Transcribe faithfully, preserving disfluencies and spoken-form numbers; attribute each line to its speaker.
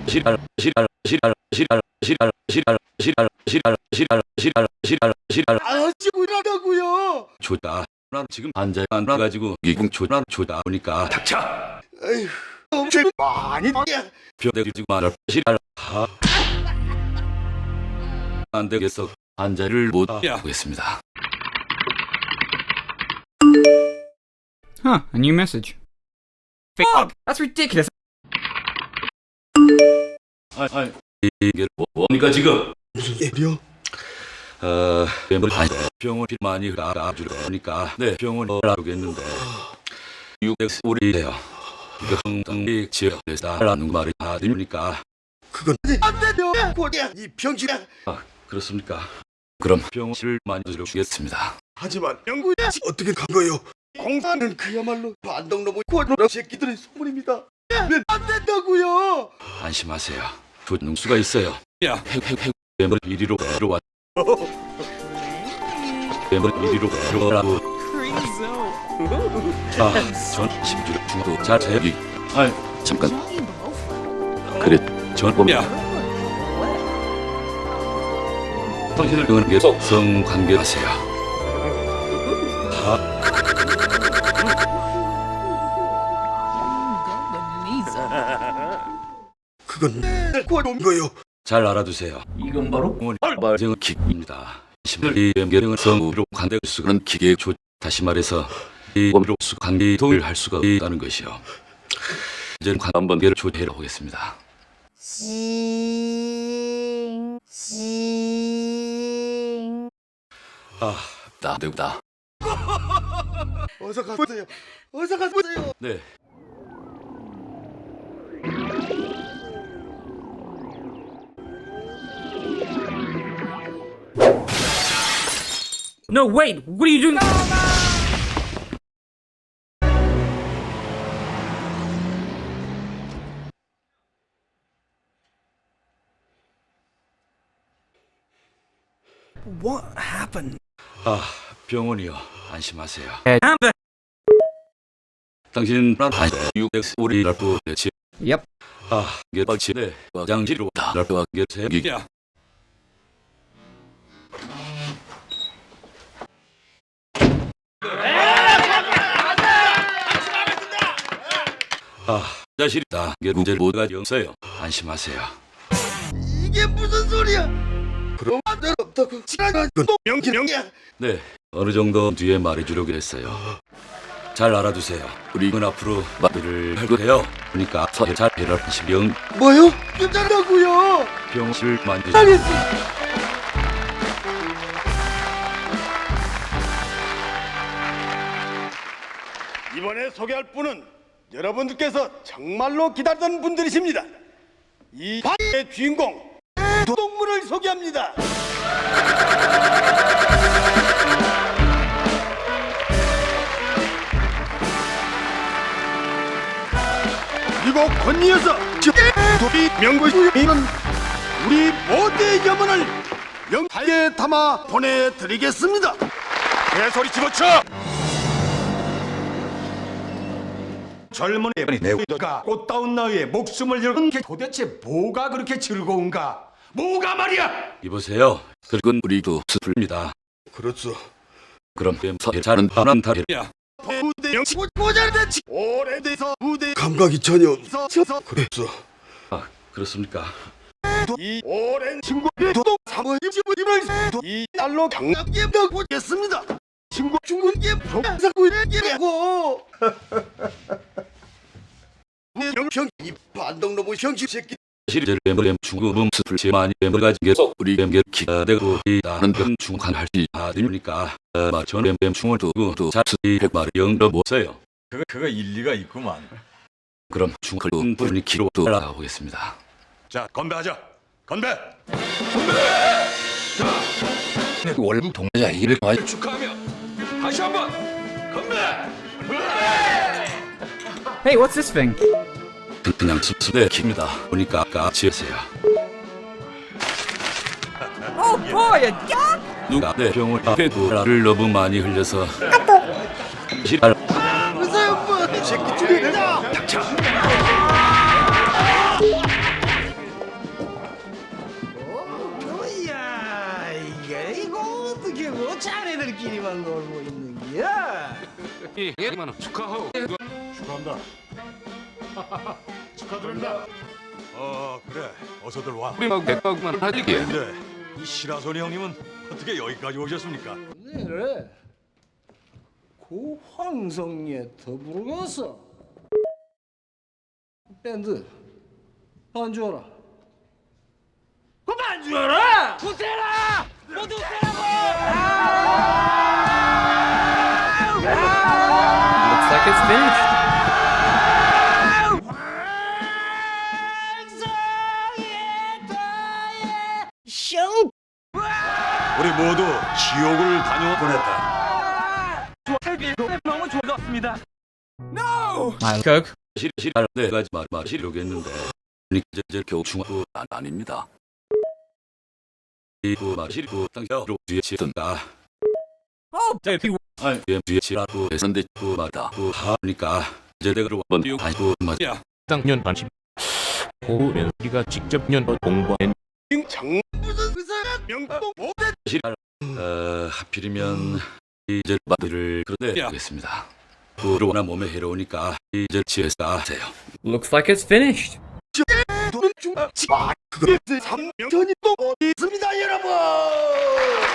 Speaker 1: 시랄 시랄 시랄 시랄 시랄 시랄 시랄 시랄 시랄 시랄 시랄 시랄
Speaker 2: 아지고 일하다고요.
Speaker 1: 좋다. 난 지금 앉아 앉아 가지고 이궁 초난 초다 보니까 닥쳐.
Speaker 2: 에휴, 엄청 많이
Speaker 1: 벼대지 말아 시랄 하. 안 되겠어. 앉아를 못 하겠습니다.
Speaker 3: Huh, a new message. Fuck! That's ridiculous.
Speaker 1: 아, 아, 이게 뭐니까 지금?
Speaker 2: 무슨 일이요?
Speaker 1: 어, 멤버 아니 병원이 많이 알아주려니까 네 병원 알아보겠는데 육엑스 우리 돼요. 이거 흥당이 지역에서라는 말이 다 들으니까
Speaker 2: 그건 안 돼요. 고야 이 병신아.
Speaker 1: 아 그렇습니까? 그럼 병실을 만들어주겠습니다.
Speaker 2: 하지만 영구야 어떻게 간 거요? 공사는 그야말로 반동놈의 고노라 새끼들의 소문입니다. 안 된다고요.
Speaker 1: 안심하세요. 조능수가 있어요. 야, 핵핵핵 멤버 이리로 들어와. 멤버 이리로 들어오라고. 아, 전 심주력 중도 잘 제기. 아, 잠깐. 그래, 전 봄이야. 당신을 응하는 게 성관계하세요. 아,
Speaker 2: 그건 고놈 거요.
Speaker 1: 잘 알아두세요. 이건 바로 발정의 기입니다. 심리 연결형은 성으로 관대할 수가 있는 기계의 조. 다시 말해서 이 원으로 수관계동을 할 수가 있다는 것이요. 이제는 한번 개를 조회해 보겠습니다. 아, 나되다.
Speaker 2: 어서 가보세요. 어서 가보세요.
Speaker 1: 네.
Speaker 3: No, wait! What are you doing?
Speaker 2: What happened?
Speaker 1: 아, 병원이요. 안심하세요.
Speaker 3: I'm the-
Speaker 1: 당신 아니 육엑스 우리 날부 대치.
Speaker 3: Yep.
Speaker 1: 아, 개박치 네. 화장실로 날부와 개세기야. 아, 자실이다. 문제를 못 가져서요. 안심하세요.
Speaker 2: 이게 무슨 소리야? 그럼 안될 없다고 지나가 또 명기명이야.
Speaker 1: 네, 어느 정도 뒤에 말해주려고 했어요. 잘 알아두세요. 우리는 앞으로 말을 할 거예요. 그러니까 서해 잘 해라시병
Speaker 2: 뭐요? 괜찮다고요.
Speaker 1: 병실 만드.
Speaker 2: 알겠어. 이번에 소개할 분은 여러분들께서 정말로 기다리던 분들이십니다. 이 바의 주인공 동물을 소개합니다. 그리고 건니에서 도비 명구이는 우리 모두의 염원을 영하에 담아 보내드리겠습니다. 개소리 집어쳐!
Speaker 4: 젊은 애분이 내가 꽃다운 나이에 목숨을 잃은 게 도대체 뭐가 그렇게 즐거운가? 뭐가 말이야?
Speaker 1: 이보세요. 그건 우리도 슬픕니다.
Speaker 2: 그렇소.
Speaker 1: 그럼 서해 잘은 반한 달이야.
Speaker 2: 부대 영치 모자르대 오래돼서 부대 감각이 전혀 없어서 그랬소.
Speaker 1: 아, 그렇습니까?
Speaker 2: 이 오랜 친구의 도동 사모의 집을 이 날로 강하게 펴보겠습니다. 친구 중국에 program사구에게고 영평 이 반동놈의 형식 새끼.
Speaker 1: 실제로 엠블렘 중국음 숲을 제많이 엠블 가진 게서 우리 엠게 기대고 있다는 건 중간 할지 아들니까 아마 전 엠엠 충을 두고 또 자수이 백마를 영러 못세요.
Speaker 4: 그거 그거 일리가 있구만.
Speaker 1: 그럼 중을 분분히 키로 또 올라가보겠습니다.
Speaker 4: 자 건배하자. 건배.
Speaker 1: 월북 동자 이를 많이
Speaker 4: 축하하며 다시 한번 건배.
Speaker 3: Hey, what's this thing?
Speaker 1: 그냥 숲숲에 킵니다. 보니까 까치세요.
Speaker 3: Oh boy, a dog!
Speaker 1: 누가 내 병원 앞에 도라를 너무 많이 흘려서 시랄
Speaker 2: 무서워 이 새끼 죽이자.
Speaker 1: 닥쳐. 예만 축하하오.
Speaker 4: 축하한다. 축하드립니다. 어 그래 어서들 와.
Speaker 1: 우리 막 백박만 하게.
Speaker 4: 근데 이 시라소니 형님은 어떻게 여기까지 오셨습니까?
Speaker 5: 그래 고 황성리에 더불어가서 밴드 반주하라. 그 반주하라. 우세라 모두 우세라고.
Speaker 3: Looks like it's finished.
Speaker 4: 우리 모두 지옥을 다녀 보냈다.
Speaker 3: My Coke.
Speaker 1: 실실 내가 말 마시려고 했는데 이제 이제 겨우 중하고 안 아닙니다. 이거 마시고 땅으로 뒤에 치던가.
Speaker 3: Oh, dude, he
Speaker 1: 아니 뒤에 치라고 했는데 그 말다 그 하니까 이제 내가 한번 띄우고 아니고 말이야.
Speaker 6: 당년 반십 고우면 우리가 직접 년 공부한
Speaker 2: 장 무슨 의사가 명동 오대
Speaker 1: 실 어, 하필이면 이제 마디를 그런데 하겠습니다. 그러나 몸에 해로우니까 이제 지혜사 하세요.
Speaker 3: looks like it's finished.
Speaker 2: 돈은 중아 그거 삼 년이 또 어디 있습니다 여러분.